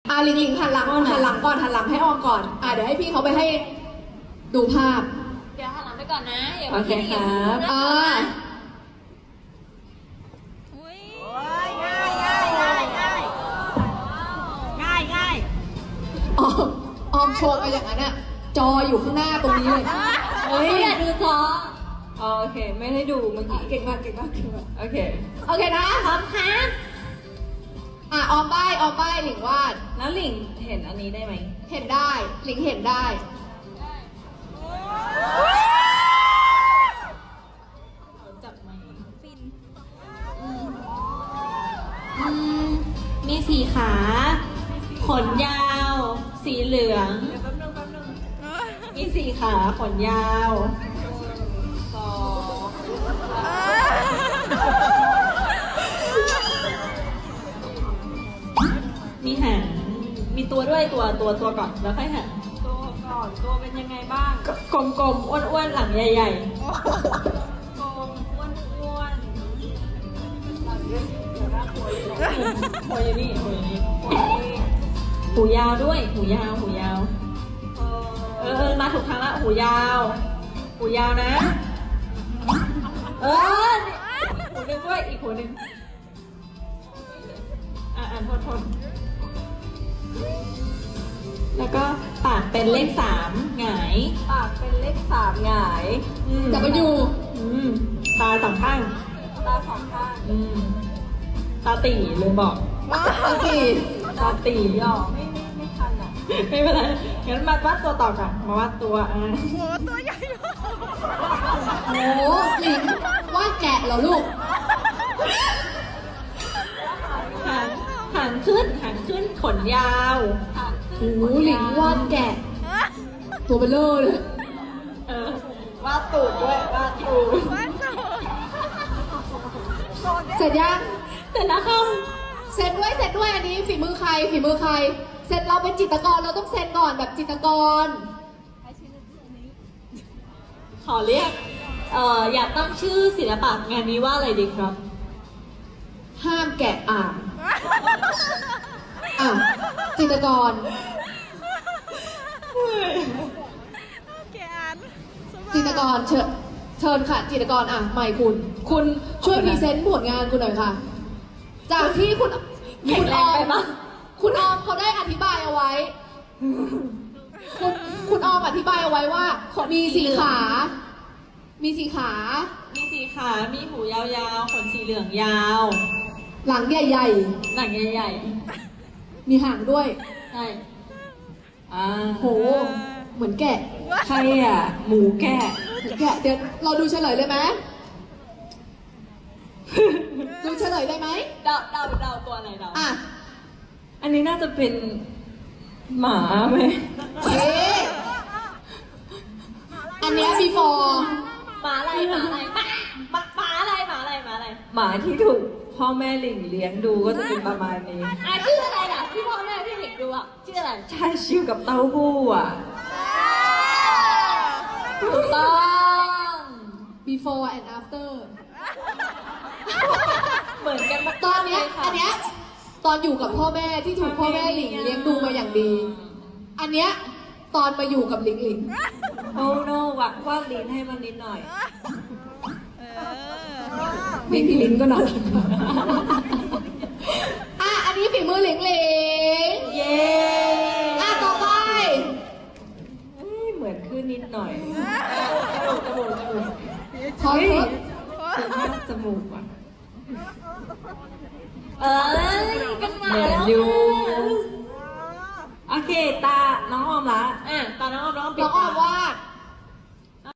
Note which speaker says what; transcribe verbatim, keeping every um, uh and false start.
Speaker 1: อ่ะลิงลิงหันหลังหันหลังก่อนหันหลังให้ออมก่อนอ่ะเดี๋ยวให้พี่เขาไปให้ดูภาพ
Speaker 2: เดี๋ยวหันหลังไปก่อนนะอย่า
Speaker 1: โอเคครับอ่า
Speaker 3: ง่ายง่ายง่ายง่ายง่ายง่าย
Speaker 1: ออมออมโชว์ไปอย่างนั้นอะจออยู่ข้างหน้าตรงนี้เลย
Speaker 2: เฮ้ยอย่าดูจอ
Speaker 3: โอเคไม่ได้ดูเมื่อกี้เก่งมากเก่งมากเก่งมากโอเค
Speaker 1: โอเคนะ
Speaker 2: พร้อมครับ
Speaker 1: อ่ะออมใบออมใบหลิงวาด
Speaker 3: แล้วหลิงเห็นอันนี้ได้ไหม
Speaker 1: เห็นได้หลิงเห็นได้จับไมฟิน
Speaker 2: อืมมีสีขา ขนยาว สีเหลือง
Speaker 3: เดี๋ยวแป๊บนึงแป๊บนึง
Speaker 2: มีสีขาขนยาว
Speaker 3: สอง
Speaker 2: มีหางมีตัวด้วยตัวตัวตัวก่อนแล้วค่อยหาง
Speaker 3: ตัวก่อนตัวเป็นยังไงบ้าง
Speaker 2: กลมๆอ้วนๆหลังใหญ่
Speaker 3: โกงอ้วนอ้วนหลังเยอะเดี๋ยวน่ากลัวอยู่
Speaker 2: ๆหัวอย่างนี้หัวอย่างนี้
Speaker 3: หัวนี่
Speaker 2: หูยาวด้วยหูยาวหูยาว
Speaker 3: เอ
Speaker 2: เอ
Speaker 3: อ
Speaker 2: อเออมาถูกทางละหูยาว หูยาวนะ เออหูหนึ่งด้วยอีกหูหนึ่งอ่ะอ่านทนทนแล้วก็ปากเป็นเลขสามหงาย
Speaker 3: ปากเป็นเลขสามหงาย
Speaker 2: อืม
Speaker 1: จับมาอยู่
Speaker 2: อืมตาสองข้าง
Speaker 3: ตาสองข้าง
Speaker 2: อืมตาตีลืมบอก
Speaker 1: โอเค
Speaker 2: ตาตี
Speaker 3: หยอกไม่ไม่ไม่ทันอ่ะ
Speaker 2: ไม่เป็นไรงั้นมาวาดตัวต่อก่อนมาวาดตัวอ่ะ
Speaker 1: โหหลิงวาดแกะเหรอลูก
Speaker 2: หางหางขึ้นหางขึ้นขนยาว
Speaker 1: โอ้โหหลิงวาดแกะ ตัวเบลเลอร์เลย
Speaker 2: เออวาดตูดด้วยวาดตูด
Speaker 1: เสร็จยัง
Speaker 2: เสร็จแล้วค่ะ
Speaker 1: เซ็นด้วยเซ็นด้วยอันนี้ฝีมือใครฝีมือใครเซ็นเราเป็นจิตรกรเราต้องเซ็นก่อนแบบจิตรกร
Speaker 2: ขอเรียกเอ่ออยากตั้งชื่อศิลปะงานนี้ว่าอะไรดีครับ
Speaker 1: ห้ามแกะอ่างอ่ะจิตรกรจิตรกรเชิญเชิญค่ะจิตรกรอ่ะใหม่คุณ คุณช่วยพรีเซนต์ผลงานคุณหน่อยค่ะ จากที่คุณ
Speaker 2: แข็
Speaker 1: คุ
Speaker 2: ง
Speaker 1: ณ
Speaker 2: แร
Speaker 1: อง อ
Speaker 2: ไป
Speaker 1: ม
Speaker 2: ปะ
Speaker 1: คุณออมเขาได้อธิบายเอาไว้ คุณคุณออมอธิบายเอาไว้ว่ามีสีขา มีสีขา
Speaker 2: มีสีขา มีหูยาวๆ ขนสีเหลืองยาว
Speaker 1: หลังใหญ่
Speaker 2: หนังใหญ่
Speaker 1: ๆ มีหางด้วย
Speaker 2: ๆ ใช่
Speaker 3: อ่า
Speaker 1: โห เหมือนแกะ
Speaker 3: ใครอ่ะ หมูแกะ
Speaker 1: เหมือนแกะ เดี๋ยวเราดูเฉลยเลยไหม ดูเฉลยได้ไหม
Speaker 2: เดาเดาเดาตัวอะไรเดา
Speaker 1: อ่ะ
Speaker 3: อันนี้น่าจะเป็นหมาไหม
Speaker 1: เอ๊ะอันเนี้ย before
Speaker 2: หมาอะไรหมาอะไรหมาหมาหมาอะไรหมาอะไรหมาอะไร
Speaker 3: หมาที่ถูกพ่อแม่หลิงเลี้ยงดูก็จะเป็นประมาณนี้
Speaker 2: อ่ะชื่ออะไรล่ะที่พ่อแม่พี่เด็กดูอ่ะชื่ออะไร
Speaker 3: ชาชิวกับเต้าหู้อ่ะ
Speaker 2: ถูกต้อง
Speaker 1: before and after
Speaker 2: เหมือนกันมา
Speaker 1: ตอนเนี้ย
Speaker 2: ค่ะ
Speaker 1: อันเนี้ย ตอนอยู่กับพ่อแม่ที่ถูกพ่อแม่หลิงเลี้ยงดูมาอย่างดี อันเนี้ย ตอนมาอยู่กับหลิงหลิง
Speaker 3: โอ้โนวักวาดลิ้นให้มันนิดหน่อย
Speaker 1: พี่พี่ลิงก็น่ารักอ่ะ อันนี้ฝีมือหลิงหลิง
Speaker 3: เย้
Speaker 1: อ่ะ ต่อไป
Speaker 3: เอ้ยเหมือนขึ้นนิดหน่อย
Speaker 2: จมูกจมูกจมูก
Speaker 1: ขอโทษ
Speaker 3: คือภาพจมูกอ่ะ
Speaker 2: เอ้ยเป็นหมา
Speaker 3: เหมือน
Speaker 2: แล้ว
Speaker 3: อยู่ โอเค ตา น้องออมละ
Speaker 2: อ่ะตอนน้องออมน้องออมปิ
Speaker 1: น้
Speaker 2: ด
Speaker 1: องออม
Speaker 2: ตา
Speaker 1: วาด